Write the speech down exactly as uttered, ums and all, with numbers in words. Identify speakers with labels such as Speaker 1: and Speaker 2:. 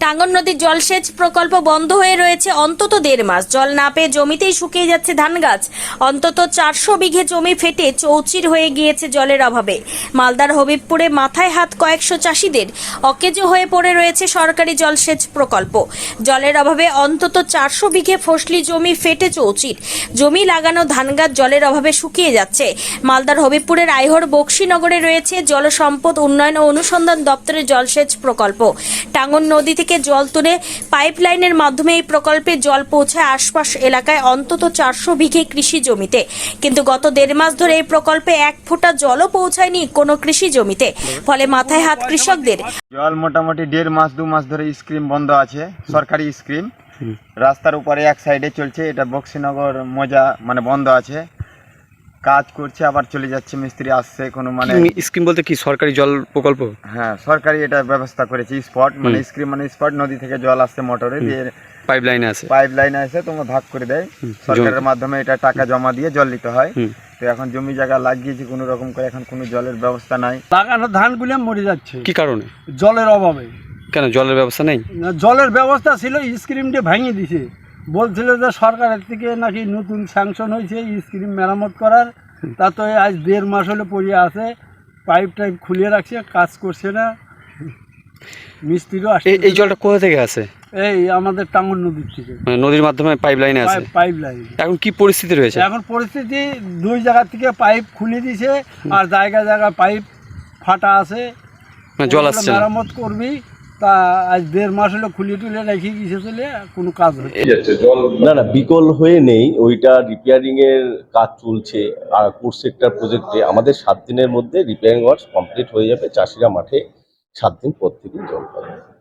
Speaker 1: টাঙ্গন নদীর জলসেচ প্রকল্প বন্ধ হয়ে রয়েছে অন্তত দেড় মাস। জল না পেয়ে জমিতেই শুকিয়ে যাচ্ছে ধান গাছ। অন্তত চারশো বিঘে জমি ফেটে চৌচির হয়ে গিয়েছে জলের অভাবে। মালদার হবিবপুরে মাথায় হাত কয়েকশো চাষিদের। অকেজো হয়ে পড়ে রয়েছে সরকারি জলসেচ প্রকল্প। জলের অভাবে অন্তত চারশো বিঘে ফসলি জমি ফেটে চৌচির। জমি লাগানো ধান গাছ জলের অভাবে শুকিয়ে যাচ্ছে। মালদার হবিবপুরের আইহর বক্সিনগরে রয়েছে জলসম্পদ উন্নয়ন ও অনুসন্ধান দপ্তরের জলসেচ প্রকল্প। টাঙ্গন নদী থেকে জল তুলে পাইপলাইনের মাধ্যমে এই প্রকল্পে জল পৌঁছায় আশপাশ এলাকায় অন্তত চারশো বিঘে কৃষি জমিতে। কিন্তু গত দেড় মাস ধরে এই প্রকল্পে এক ফোঁটা জলও পৌঁছায়নি কোনো কৃষি জমিতে। ফলে মাথায় হাত কৃষকদের।
Speaker 2: জল মোটামুটি দেড় মাস দু মাস ধরে স্কিম বন্ধ আছে, সরকারি স্কিম। রাস্তার উপরে এক সাইডে চলছে, এটা বক্সিনগর মজা মানে বন্ধ আছে, কাজ করছে আবার চলে যাচ্ছে, মিস্ত্রি আসছে কোনো মানে
Speaker 3: স্কিম বলতে কি সরকারি জল প্রকল্প?
Speaker 2: হ্যাঁ, সরকারি এটা ব্যবস্থা করেছে স্পট মানে স্কিম মানে স্পট, নদী থেকে জল আসছে মোটরে দিয়ে
Speaker 3: পাইপ লাইনে আছে,
Speaker 2: পাইপ লাইনে আসে তোমার ভাগ করে দেয় সরকারের মাধ্যমে, এটা টাকা জমা দিয়ে জল নিতে হয়। তো এখন জমি জায়গা লাগিয়েছে কোনো রকম করে, এখন কোনো জলের ব্যবস্থা নাই।
Speaker 4: লাগানো ধানগুলো মরে যাচ্ছে।
Speaker 3: কি কারণে?
Speaker 4: জলের অভাবে।
Speaker 3: কেন জলের ব্যবস্থা নেই?
Speaker 4: না, জলের ব্যবস্থা ছিল, স্কিমটা ভেঙে দিছে। বলছিল যে সরকারের থেকে নাকি নতুন স্যাংশন হয়েছে স্কিম মেরামত করার, তা তো আজ দেড় মাস হলে পড়ে আছে, পাইপ টাইপ খুলে রাখছে, কাজ করছে না, মিস্ত্রিও আসছে।
Speaker 3: এই জলটা কোথা থেকে আসে?
Speaker 4: এই আমাদের টাঙ্গন নদীর থেকে,
Speaker 3: মানে নদীর মাধ্যমে পাইপ লাইনে আসে।
Speaker 4: Pipe line.
Speaker 3: এখন কি পরিস্থিতি রয়েছে?
Speaker 4: এখন পরিস্থিতি দুই জায়গা থেকে পাইপ খুলে দিছে, আর জায়গা জায়গা পাইপ ফাটা আছে,
Speaker 3: জল আসছে না।
Speaker 4: মেরামত করবি, তা আজ দেড় মাস হলো খুলে টুলে রেখে গেছে, চলে কোনো কাজ হচ্ছে
Speaker 5: না। না, বিকল হয়ে নেই, ওইটা রিপেয়ারিং এর কাজ চলছে। আর কোর সেক্টর প্রজেক্টে আমাদের সাত দিনের মধ্যে রিপেয়ারিং ওয়ার্কস কমপ্লিট হয়ে যাবে, চাষিরা মাঠে সাত দিন পর থেকে জল পাবে।